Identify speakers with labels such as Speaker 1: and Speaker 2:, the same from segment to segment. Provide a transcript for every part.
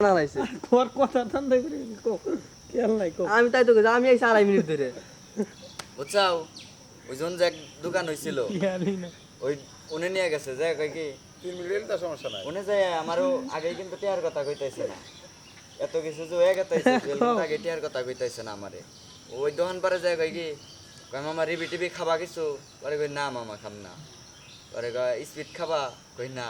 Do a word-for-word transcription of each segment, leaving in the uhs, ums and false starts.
Speaker 1: না নাইছে
Speaker 2: তোর কথা ঠান্ডা করে কো খেয়াল নাই কো
Speaker 1: আমি তাই তো কইছি, আমি এই আড়াই মিনিট ধরে
Speaker 3: বুঝছাও ওই জন যে এক দোকান হইছিল
Speaker 2: খেয়ালই না
Speaker 3: ওই উনি নিয়ে গেছে যে কই কি
Speaker 4: তিন মিনিট তো সমস্যা নাই
Speaker 3: উনি যে আমারও আগে কিন্তু টিয়ার কথা কইতাইছে না এত কিছু যে হয়ে গেতাইছে কিন্তু আগে টিয়ার কথা কইতাইছে না আমারে ওই দোকান পারে যায় কই কি কই মামা রিবি টিবি খাবা কিছু পরে কই না মামা খাম না পরে কই স্পিড খাবা কই না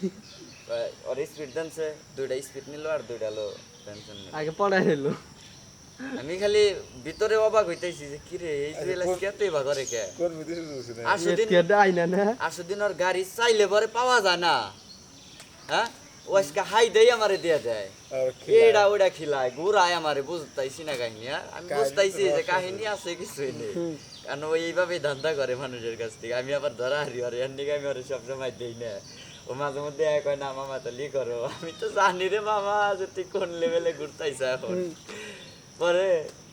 Speaker 3: আর স্পিড দেনছে দুইটা স্পিড নিল আর দুইটা লো টেনশন নেই
Speaker 1: আগে পড়াই নিল
Speaker 3: আমি খালি ভিতরে অবাক হইতাইছি যে কি রে এই জুয়েলাস কেতই বা করে কে
Speaker 4: কোন বিদেশে বুঝছি না
Speaker 3: আসুদিন
Speaker 1: কেডা আইনা না
Speaker 3: আসুদিন ওর গাড়ি চাইলে পরে পাওয়া যায় না হ্যাঁ ও আজকে হাই দেই আমারে দিয়ে দেয়
Speaker 4: আর
Speaker 3: এইটা ওইটা খিলায় ঘুরায় আমারে বুঝতাইছি না কাহিনী আর আমি বুঝতাইছি যে কাহিনী আছে কিছুই নেই কারণ ও এইভাবেই ধান্দা করে মানুষের কাছ থেকে আমি আবার ধরা হারি আর এর দিকে আমি ওর সবসময় দেই না ও মাঝে মধ্যে এক হয় না মামা তো লি করো আমি তো জানি রে মামা যে তুই কোন লেভেলে ঘুরতাইছে এখন পরে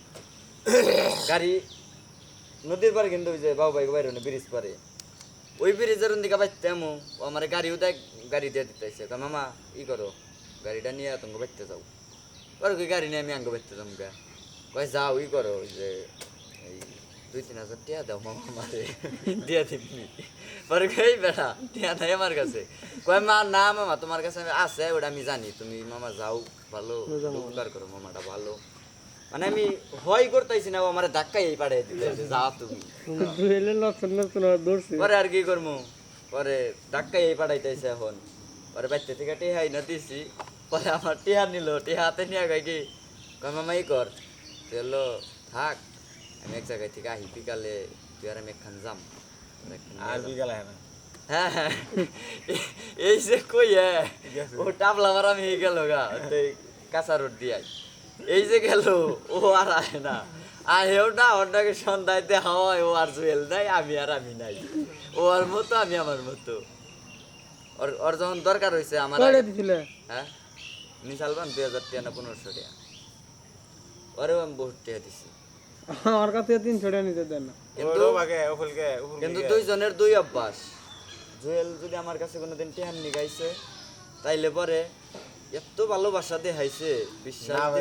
Speaker 3: গাড়ি নদীর পারে কিন্তু ওই যে বাবু ভাই বাইরে ব্রিজ পারে ওই ব্রিজের দিকে বাইতে আমো ও আমার গাড়িও দেখ গাড়ি দিয়ে দিতেছে মামা ই করো গাড়িটা নিয়ে তুমি বাইতে যাও পরে ওই গাড়ি নিয়ে আমি আঙ্গ বাইতে যাম গা কয় যাও ই করো ওই যে এই দুই তিন হাজার টিয়া দাও মামা আমারে দিয়ে দিবনি পরে কই বেটা টিয়া নাই আমার কাছে কয় মা না মামা তোমার কাছে আমি আছে ওটা আমি জানি তুমি মামা যাও ভালো উপকার করো মামাটা ভালো মানে আমি ভয় করতেছি না ও আমার ধাক্কাই পাঠিয়ে দিতেছে যা তুমি
Speaker 2: জুয়েলের লক্ষণ লক্ষণ দৌড়ছে
Speaker 3: পরে আর কি করবো পরে ধাক্কাই পাঠাইতেছে এখন পরে বাচ্চা থেকে টেহাই না দিছি পরে আমার টেহা নিল টেহা হাতে নিয়ে গাই কি কয় মামা ই কর তুই হলো থাক আমি এক জায়গায় থেকে আহি বিকালে তুই আর আমি একখান যাম
Speaker 4: আর বিকাল হয় না
Speaker 3: হ্যাঁ হ্যাঁ এই যে কই হ্যাঁ ও টাবলা মারা আমি গেল গা কাঁচা রোড দিয়ে এই যে গেল ও আর আয় না আহেও না ওটাকে সন্ধ্যাতে হাওয়ায় ও আর জুয়েল নাই আমি আর আমি নাই ও আর মতো আমি আমার মতো ওর ওর যখন দরকার হয়েছে আমার
Speaker 2: কয়টা
Speaker 3: আগে-
Speaker 2: দিছিলে
Speaker 3: হ্যাঁ নিশালবান দুই হাজার টাকা না পনেরোশো টাকা ওরেও আমি বহুত টাকা দিছি
Speaker 2: আমার কাছে তিনশো টাকা নিতে দেন না
Speaker 3: কিন্তু
Speaker 4: ও বাগে ও ফুলকে ও ফুলকে
Speaker 3: কিন্তু দুইজনের দুই অভ্যাস জুয়েল যদি আমার কাছে কোনোদিন টেহান নিগাইছে তাইলে পরে এত ভালোবাসা দেখাইছে বিশ্বাস